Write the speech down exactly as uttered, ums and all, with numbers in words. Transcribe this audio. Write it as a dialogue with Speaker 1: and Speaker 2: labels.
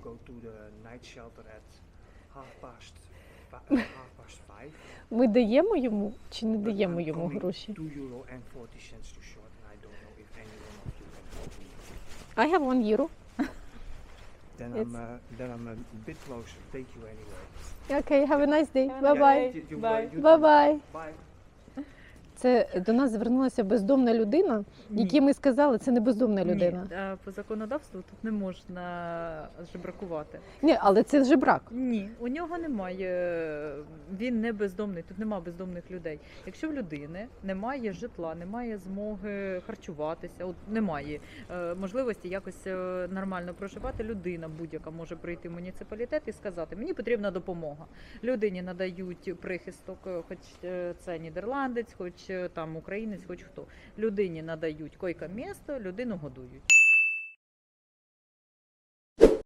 Speaker 1: go to the night shelter at half past fi- uh, half past five.
Speaker 2: Ми даємо йому чи не
Speaker 1: But
Speaker 2: даємо
Speaker 1: I'm
Speaker 2: йому
Speaker 1: coming
Speaker 2: гроші?
Speaker 1: two euro and forty cents too short, and I don't know if any one of you can help me.
Speaker 2: I have one euro.
Speaker 1: Then
Speaker 2: It's-
Speaker 1: I'm uh, then I'm a bit closer. Thank you anyway.
Speaker 2: Okay, have a nice day.
Speaker 3: Have a
Speaker 2: Bye-bye.
Speaker 3: nice
Speaker 1: You- you-
Speaker 3: Bye.
Speaker 1: you too.
Speaker 2: Bye-bye.
Speaker 1: Bye.
Speaker 2: Це до нас звернулася бездомна людина, якій ми сказали, це не бездомна людина.
Speaker 3: Ні, е, по законодавству тут не можна жебракувати.
Speaker 2: Ні, але це жебрак.
Speaker 3: Ні, у нього немає, він не бездомний, тут немає бездомних людей. Якщо в людини немає житла, немає змоги харчуватися, от немає е, можливості якось е, нормально проживати, людина будь-яка може прийти в муніципалітет і сказати, мені потрібна допомога. Людині надають прихисток, е, хоч е, це нідерландець, хоч е, там українець, хоч хто. Людині надають койко-місто, людину годують.